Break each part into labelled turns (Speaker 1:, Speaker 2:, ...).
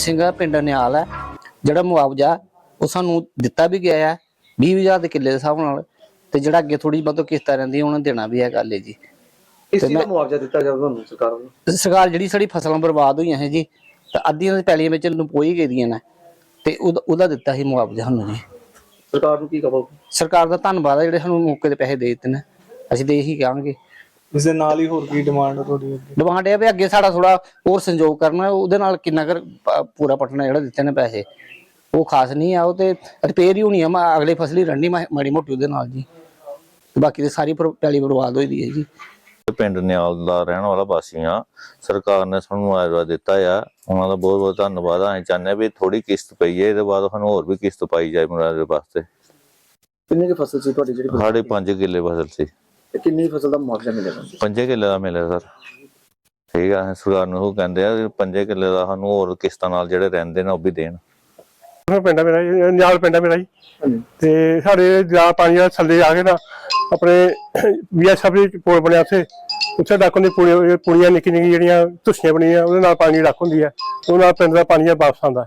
Speaker 1: ਸਿੰਘਾ ਪਿੰਡ ਨਿਹਾਲ है ਜਿਹੜਾ ਮੁਆਵਜ਼ਾ ਉਹ ਸਾਨੂੰ ਦਿੱਤਾ ਵੀ ਗਿਆ ਹੈ 20,000 ਦੇ ਕਿੱਲੇ ਦੇ ਹਿਸਾਬ ਨਾਲ ਤੇ ਜਿਹੜਾ ਅੱਗੇ ਥੋੜੀ ਬਹੁਤੀ ਕਿਸ਼ਤਾਂ ਰਹਿੰਦੀਆਂ ਉਹਨਾਂ ਦੇਣਾ ਵੀ ਹੈ ਗੱਲ ਹੈ ਜੀ।
Speaker 2: ਇਸ ਚੀਜ਼ ਦਾ ਮੁਆਵਜ਼ਾ ਦਿੱਤਾ ਜਾਊਗਾ ਤੁਹਾਨੂੰ ਸਰਕਾਰ ਵੱਲੋਂ?
Speaker 1: ਸਰਕਾਰ ਜਿਹੜੀ ਸਾਡੀ ਫਸਲਾਂ ਬਰਬਾਦ ਹੋਈਆਂ ਹੈ ਜੀ ਤੇ ਅੱਧੀਆਂ ਦੇ ਪੈਲੀਆਂ ਵਿੱਚ ਨਪੋਈ ਗਈਆਂ ਨੇ ਤੇ ਉਹਦਾ ਦਿੱਤਾ ਸੀ ਮੁਆਵਜ਼ਾ ਸਾਨੂੰ ਜੀ।
Speaker 2: ਸਰਕਾਰ ਨੂੰ ਕੀ ਕਹੋਗੇ?
Speaker 1: ਸਰਕਾਰ ਦਾ ਧੰਨਵਾਦ ਹੈ ਜਿਹੜੇ ਸਾਨੂੰ ਮੌਕੇ ਤੇ ਪੈਸੇ ਦੇ ਦਿੱਤੇ ਨੇ, ਅਸੀਂ ਤੇ ਇਹੀ ਕਹਾਂਗੇ।
Speaker 2: ਇਸ ਦੇ ਨਾਲ ਹੀ ਹੋਰ ਕੀ ਡਿਮਾਂਡ ਹੈ ਤੁਹਾਡੀ?
Speaker 1: ਡਿਮਾਂਡ ਇਹ ਵੀ ਅੱਗੇ ਸਾਡਾ ਥੋੜਾ ਹੋਰ ਸੰਯੋਗ ਕਰਨਾ, ਉਹਦੇ ਨਾਲ ਕਿੰਨਾ ਕਰ ਪੂਰਾ ਪਟਣਾ ਜਿਹੜਾ ਦਿੱਤੇ ਨੇ ਪੈਸੇ ਉਹ ਖਾਸ ਨਹੀਂ ਆ, ਉਹ ਤੇ ਰਿਪੇਅਰ ਹੀ ਹੋਣੀ ਆ ਅਗਲੇ ਫਸਲੀ ਰਣਨੀ ਮਾੜੀ ਮੋਟੀ ਉਹਦੇ ਨਾਲ ਜੀ। ਬਾਕੀ ਤੇ ਸਾਰੀ ਪੈਲੀ ਬਰਬਾਦ ਹੋਈ ਦੀ ਹੈ ਜੀ।
Speaker 3: ਪਿੰਡ ਨਿਹਾਲ ਦਾ ਰਹਿਣ ਵਾਲਾ ਵਾਸੀ ਆ। ਸਰਕਾਰ ਨੇ ਸਾਨੂੰ ਮੁਆਵਜ਼ਾ ਦਿੱਤਾ ਆ, ਉਹਨਾਂ ਦਾ ਬਹੁਤ ਬਹੁਤ ਧੰਨਵਾਦ ਆ। ਅਸੀਂ ਚਾਹੁੰਦੇ ਵੀ ਥੋੜੀ ਕਿਸ਼ਤ ਪਈ ਹੈ, ਇਹਦੇ ਬਾਅਦ ਸਾਨੂੰ ਹੋਰ ਵੀ ਕਿਸ਼ਤ ਪਾਈ ਜਾਏ ਮੁਆਵਜ਼ੇ ਵਾਸਤੇ।
Speaker 2: ਕਿੰਨੀ ਕੁ ਫਸਲ ਸੀ ਤੁਹਾਡੀ ਜਿਹੜੀ?
Speaker 3: ਸਾਡੇ 5 ਕਿੱਲੇ ਫਸਲ ਸੀ।
Speaker 2: ਕਿੰਨੀ ਫਸਲ ਦਾ ਮੁਆਵਜ਼ਾ ਮਿਲੇਗਾ?
Speaker 3: 5 ਕਿੱਲੇ ਦਾ ਮਿਲਿਆ ਸਰ। ਠੀਕ ਆ, ਸਰਕਾਰ ਨੂੰ ਉਹ ਕਹਿੰਦੇ ਆ 5 ਕਿੱਲੇ ਦਾ ਸਾਨੂੰ ਹੋਰ ਕਿਸ਼ਤਾਂ ਨਾਲ ਜਿਹੜੇ ਰਹਿੰਦੇ ਨੇ ਉਹ ਵੀ ਦੇਣ।
Speaker 4: ਪਿੰਡ ਮੇਰਾ ਨਿਹਾਲ ਪਿੰਡ ਮੇਰਾ ਜੀ ਤੇ ਸਾਡੇ ਜਾ ਪਾਣੀ ਦਾ ਥੱਲੇ ਆ ਕੇ ਨਾ ਆਪਣੇ BSF ਦੇ ਪੁਲ ਬਣਿਆ ਉੱਥੇ ਡੱਕ ਹੁੰਦੀ ਪੁਲੀਆਂ ਨਿੱਕੀ ਨਿੱਕੀ ਜਿਹੜੀਆਂ ਧੁੱਸੀਆਂ ਬਣੀਆਂ ਉਹਦੇ ਨਾਲ ਪਾਣੀ ਡੱਕ ਹੁੰਦੀ ਹੈ, ਉਹਦੇ ਨਾਲ ਪਿੰਡ ਦਾ ਪਾਣੀ ਵਾਪਸ ਆਉਂਦਾ।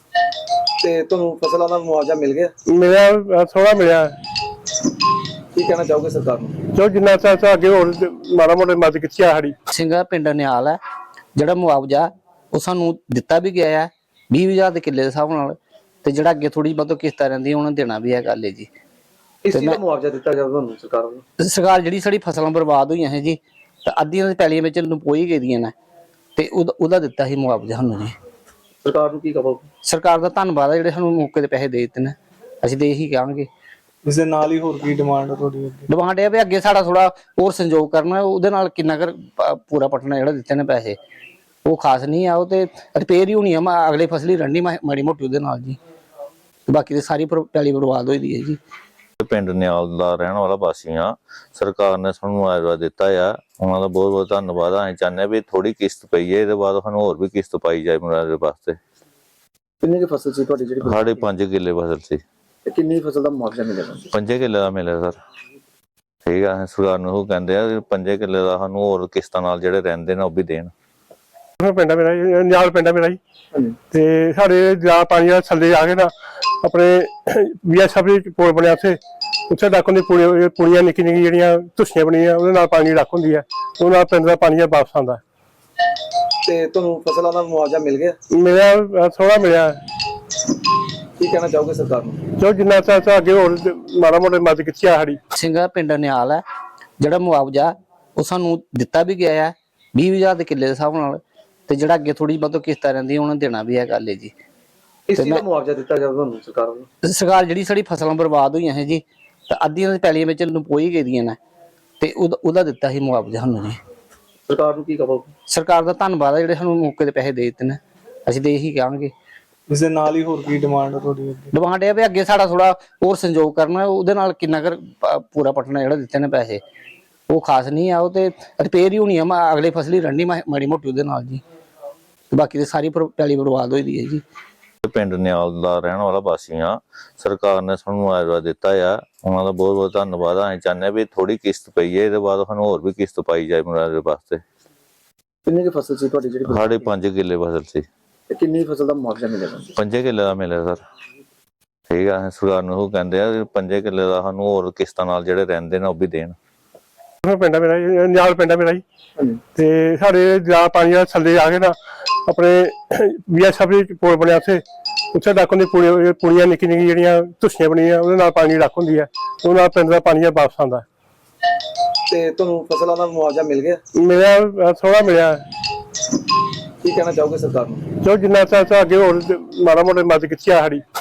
Speaker 2: ਤੇ ਤੁਹਾਨੂੰ ਫਸਲਾਂ ਦਾ ਮੁਆਵਜ਼ਾ ਮਿਲ ਗਿਆ?
Speaker 4: ਮਿਲਿਆ, ਥੋੜਾ ਮਿਲਿਆ।
Speaker 2: ਕੀ ਕਹਿਣਾ ਚਾਹੋਗੇ ਸਰਕਾਰ ਨੂੰ?
Speaker 4: ਜੋ ਜਿੰਨਾ ਚਾਹ ਅੱਗੇ ਹੋਰ ਮਾੜਾ ਮੋਟਾ ਮਦਦ ਕੀਤੀ ਆ ਸਾਡੀ।
Speaker 1: ਸਿੰਘਾ ਪਿੰਡ ਨਿਹਾਲ ਹੈ ਜਿਹੜਾ ਮੁਆਵਜ਼ਾ ਉਹ ਸਾਨੂੰ ਦਿੱਤਾ ਵੀ ਗਿਆ ਹੈ 20,000 ਦੇ ਕਿੱਲੇ ਦੇ ਹਿਸਾਬ ਨਾਲ ਤੇ ਜਿਹੜਾ ਅੱਗੇ ਥੋੜੀ ਬਹੁਤੀ ਕਿਸ਼ਤਾਂ ਰਹਿੰਦੀਆਂ ਉਹਨਾਂ ਦੇਣਾ ਵੀ ਹੈ ਗੱਲ ਹੈ ਜੀ।
Speaker 2: ਇਸ ਚੀਜ਼ ਦਾ ਮੁਆਵਜ਼ਾ ਦਿੱਤਾ ਜਾਊਗਾ ਤੁਹਾਨੂੰ ਸਰਕਾਰ ਵੱਲੋਂ?
Speaker 1: ਸਰਕਾਰ ਜਿਹੜੀ ਸਾਡੀ ਫਸਲਾਂ ਬਰਬਾਦ ਹੋਈਆਂ ਹੈ ਜੀ ਤੇ ਅੱਧੀਆਂ ਦੇ ਪੈਲੀਆਂ ਵਿੱਚ ਨਪੋਈ ਗਈਆਂ ਨੇ ਤੇ ਉਹਦਾ ਦਿੱਤਾ ਸੀ ਮੁਆਵਜ਼ਾ ਸਾਨੂੰ ਜੀ।
Speaker 2: ਸਰਕਾਰ ਨੂੰ ਕੀ ਕਹੋਗੇ?
Speaker 1: ਸਰਕਾਰ ਦਾ ਧੰਨਵਾਦ ਹੈ ਜਿਹੜੇ ਸਾਨੂੰ ਮੌਕੇ ਤੇ ਪੈਸੇ ਦੇ ਦਿੱਤੇ ਨੇ, ਅਸੀਂ ਤੇ ਇਹੀ ਕਹਾਂਗੇ।
Speaker 2: ਇਸ ਦੇ ਨਾਲ ਹੀ ਹੋਰ ਕੀ ਡਿਮਾਂਡ ਹੈ ਤੁਹਾਡੀ?
Speaker 1: ਡਿਮਾਂਡ ਇਹ ਵੀ ਅੱਗੇ ਸਾਡਾ ਥੋੜਾ ਹੋਰ ਸੰਯੋਗ ਕਰਨਾ, ਉਹਦੇ ਨਾਲ ਕਿੰਨਾ ਕਰ ਪੂਰਾ ਪਟਣਾ ਜਿਹੜਾ ਦਿੱਤੇ ਨੇ ਪੈਸੇ ਉਹ ਖਾਸ ਨਹੀਂ ਆ, ਉਹ ਤੇ ਰਿਪੇਅਰ ਹੀ ਹੋਣੀ ਆ ਅਗਲੇ ਫਸਲੀ ਰਣਨੀ ਮਾੜੀ ਮੋਟੀ ਉਹਦੇ ਨਾਲ ਜੀ। ਬਾਕੀ ਤੇ ਸਾਰੀ ਪੈਲੀ ਬਰਬਾਦ ਹੋਈ ਦੀ ਹੈ ਜੀ।
Speaker 3: ਪਿੰਡ ਨਿਹਾਲ ਦਾ ਰਹਿਣ ਵਾਲਾ ਵਾਸੀ ਆ। ਸਰਕਾਰ ਨੇ ਸਾਨੂੰ ਮੁਆਵਜ਼ਾ ਦਿੱਤਾ ਆ, ਉਹਨਾਂ ਦਾ ਬਹੁਤ ਬਹੁਤ ਧੰਨਵਾਦ ਆ। ਅਸੀਂ ਚਾਹੁੰਦੇ ਵੀ ਥੋੜੀ ਕਿਸ਼ਤ ਪਈ ਹੈ, ਇਹਦੇ ਬਾਅਦ ਸਾਨੂੰ ਹੋਰ ਵੀ ਕਿਸ਼ਤ ਪਾਈ ਜਾਏ ਮੁਆਵਜ਼ੇ ਵਾਸਤੇ।
Speaker 2: ਕਿੰਨੀ ਕੁ ਫਸਲ ਸੀ ਤੁਹਾਡੀ ਜਿਹੜੀ?
Speaker 3: ਸਾਡੇ 5 ਕਿੱਲੇ ਫਸਲ ਸੀ।
Speaker 2: ਕਿੰਨੀ ਫਸਲ ਦਾ ਮੁਆਵਜ਼ਾ ਮਿਲੇਗਾ?
Speaker 3: 5 ਕਿੱਲੇ ਦਾ ਮਿਲਿਆ ਸਰ। ਠੀਕ ਆ, ਸਰਕਾਰ ਨੂੰ ਉਹ ਕਹਿੰਦੇ ਆ 5 ਕਿੱਲੇ ਦਾ ਸਾਨੂੰ ਹੋਰ ਕਿਸ਼ਤਾਂ ਨਾਲ ਜਿਹੜੇ ਰਹਿੰਦੇ ਨੇ ਉਹ ਵੀ ਦੇਣ।
Speaker 4: ਪਿੰਡ ਮੇਰਾ ਨਿਹਾਲ ਪਿੰਡ ਮੇਰਾ ਜੀ ਤੇ ਸਾਡੇ ਜਾ ਪਾਣੀ ਦਾ ਥੱਲੇ ਆ ਕੇ ਨਾ ਆਪਣੇ BSF ਦੇ ਪੁਲ ਬਣਿਆ ਉੱਥੇ ਡੱਕ ਹੁੰਦੀ ਪੁਲੀਆਂ ਨਿੱਕੀ ਨਿੱਕੀ ਜਿਹੜੀਆਂ ਧੁੱਸੀਆਂ ਬਣੀਆਂ ਉਹਦੇ ਨਾਲ ਪਾਣੀ ਡੱਕ ਹੁੰਦੀ ਹੈ, ਉਹਦੇ ਨਾਲ ਪਿੰਡ ਦਾ ਪਾਣੀ ਵਾਪਸ ਆਉਂਦਾ।
Speaker 2: ਤੇ ਤੁਹਾਨੂੰ ਫਸਲਾਂ ਦਾ ਮੁਆਵਜ਼ਾ ਮਿਲ ਗਿਆ?
Speaker 4: ਮਿਲਿਆ, ਥੋੜਾ ਮਿਲਿਆ।
Speaker 2: ਕੀ ਕਹਿਣਾ ਚਾਹੋਗੇ ਸਰਕਾਰ ਨੂੰ?
Speaker 4: ਜੋ ਜਿੰਨਾ ਚਾਹ ਅੱਗੇ ਹੋਰ ਮਾੜਾ ਮੋਟਾ ਮਦਦ ਕੀਤੀ ਆ ਸਾਡੀ।
Speaker 1: ਸਿੰਘਾ ਪਿੰਡ ਨਿਹਾਲ ਹੈ ਜਿਹੜਾ ਮੁਆਵਜ਼ਾ ਉਹ ਸਾਨੂੰ ਦਿੱਤਾ ਵੀ ਗਿਆ ਹੈ 20,000 ਦੇ ਕਿੱਲੇ ਦੇ ਹਿਸਾਬ ਨਾਲ ਤੇ ਜਿਹੜਾ ਅੱਗੇ ਥੋੜੀ ਬਹੁਤੀ ਕਿਸ਼ਤਾਂ ਰਹਿੰਦੀਆਂ ਉਹਨਾਂ ਦੇਣਾ ਵੀ ਹੈ ਗੱਲ ਹੈ ਜੀ।
Speaker 2: ਇਸ ਚੀਜ਼ ਦਾ ਮੁਆਵਜ਼ਾ ਦਿੱਤਾ ਜਾਊਗਾ ਤੁਹਾਨੂੰ ਸਰਕਾਰ ਵੱਲੋਂ?
Speaker 1: ਸਰਕਾਰ ਜਿਹੜੀ ਸਾਡੀ ਫਸਲਾਂ ਬਰਬਾਦ ਹੋਈਆਂ ਹੈ ਜੀ ਤੇ ਅੱਧੀਆਂ ਦੇ ਪੈਲੀਆਂ ਵਿੱਚ ਨਪੋਈ ਗਈਆਂ ਨੇ ਤੇ ਉਹਦਾ ਦਿੱਤਾ ਸੀ ਮੁਆਵਜ਼ਾ ਸਾਨੂੰ ਜੀ।
Speaker 2: ਸਰਕਾਰ ਨੂੰ ਕੀ ਕਹੋਗੇ?
Speaker 1: ਸਰਕਾਰ ਦਾ ਧੰਨਵਾਦ ਹੈ ਜਿਹੜੇ ਸਾਨੂੰ ਮੌਕੇ ਤੇ ਪੈਸੇ ਦੇ ਦਿੱਤੇ ਨੇ, ਅਸੀਂ ਤੇ ਇਹੀ ਕਹਾਂਗੇ।
Speaker 2: ਇਸ ਦੇ ਨਾਲ ਹੀ ਹੋਰ ਕੀ ਡਿਮਾਂਡ ਹੈ ਤੁਹਾਡੀ?
Speaker 1: ਡਿਮਾਂਡ ਇਹ ਵੀ ਅੱਗੇ ਸਾਡਾ ਥੋੜਾ ਹੋਰ ਸੰਯੋਗ ਕਰਨਾ, ਉਹਦੇ ਨਾਲ ਕਿੰਨਾ ਕਰ ਪੂਰਾ ਪਟਣਾ ਜਿਹੜਾ ਦਿੱਤੇ ਨੇ ਪੈਸੇ ਉਹ ਖਾਸ ਨਹੀਂ ਆ, ਉਹ ਤੇ ਰਿਪੇਅਰ ਹੀ ਹੋਣੀ ਆ ਅਗਲੇ ਫਸਲੀ ਰਣਨੀ ਮਾੜੀ ਮੋਟੀ ਉਹਦੇ ਨਾਲ ਜੀ। ਬਾਕੀ ਤੇ ਸਾਰੀ ਪੈਲੀ ਬਰਬਾਦ ਹੋਈ ਦੀ ਹੈ ਜੀ।
Speaker 3: ਪਿੰਡ ਨਿਹਾਲ ਦਾ ਰਹਿਣ ਵਾਲਾ ਵਾਸੀ ਆ। ਸਰਕਾਰ ਨੇ ਸਾਨੂੰ ਮੁਆਵਜ਼ਾ ਦਿੱਤਾ ਆ, ਉਹਨਾਂ ਦਾ ਬਹੁਤ ਬਹੁਤ ਧੰਨਵਾਦ ਆ। ਅਸੀਂ ਚਾਹੁੰਦੇ ਵੀ ਥੋੜੀ ਕਿਸ਼ਤ ਪਈ ਹੈ, ਇਹਦੇ ਬਾਅਦ ਸਾਨੂੰ ਹੋਰ ਵੀ ਕਿਸ਼ਤ ਪਾਈ ਜਾਏ ਮੁਆਵਜ਼ੇ ਵਾਸਤੇ।
Speaker 2: ਕਿੰਨੀ ਕੁ ਫਸਲ ਸੀ ਤੁਹਾਡੀ ਜਿਹੜੀ?
Speaker 3: ਸਾਡੇ 5 ਕਿੱਲੇ ਫਸਲ ਸੀ।
Speaker 2: ਕਿੰਨੀ ਫਸਲ ਦਾ ਮੁਆਵਜ਼ਾ ਮਿਲੇਗਾ?
Speaker 3: 5 ਕਿੱਲੇ ਦਾ ਮਿਲਿਆ ਸਰ। ਠੀਕ ਆ, ਸਰਕਾਰ ਨੂੰ ਉਹ ਕਹਿੰਦੇ ਆ 5 ਕਿੱਲੇ ਦਾ ਸਾਨੂੰ ਹੋਰ ਕਿਸ਼ਤਾਂ ਨਾਲ ਜਿਹੜੇ ਰਹਿੰਦੇ ਨੇ ਉਹ ਵੀ ਦੇਣ।
Speaker 4: ਪਿੰਡ ਮੇਰਾ ਨਿਹਾਲ ਪਿੰਡ ਮੇਰਾ ਜੀ ਤੇ ਸਾਡੇ ਜਾ ਪਾਣੀ ਦਾ ਥੱਲੇ ਆ ਕੇ ਨਾ ਆਪਣੇ BSF ਦੇ ਪੁਲ ਬਣਿਆ ਉੱਥੇ ਡੱਕ ਹੁੰਦੀ ਪੁਲੀਆਂ ਨਿੱਕੀ ਨਿੱਕੀ ਜਿਹੜੀਆਂ ਧੁੱਸੀਆਂ ਬਣੀਆਂ ਉਹਦੇ ਨਾਲ ਪਾਣੀ ਡੱਕ ਹੁੰਦੀ ਹੈ, ਉਹਦੇ ਨਾਲ ਪਿੰਡ ਦਾ ਪਾਣੀ ਵਾਪਸ ਆਉਂਦਾ।
Speaker 2: ਤੇ ਤੁਹਾਨੂੰ ਫਸਲਾਂ ਦਾ ਮੁਆਵਜ਼ਾ ਮਿਲ ਗਿਆ?
Speaker 4: ਮਿਲਿਆ, ਥੋੜਾ ਮਿਲਿਆ।
Speaker 2: ਕੀ ਕਹਿਣਾ ਚਾਹੋਗੇ ਸਰਕਾਰ ਨੂੰ?
Speaker 4: ਜੋ ਜਿੰਨਾ ਚਾਹ ਅੱਗੇ ਹੋਰ ਮਾੜਾ ਮੋਟਾ ਮਦਦ ਕੀਤੀ ਆ ਸਾਡੀ।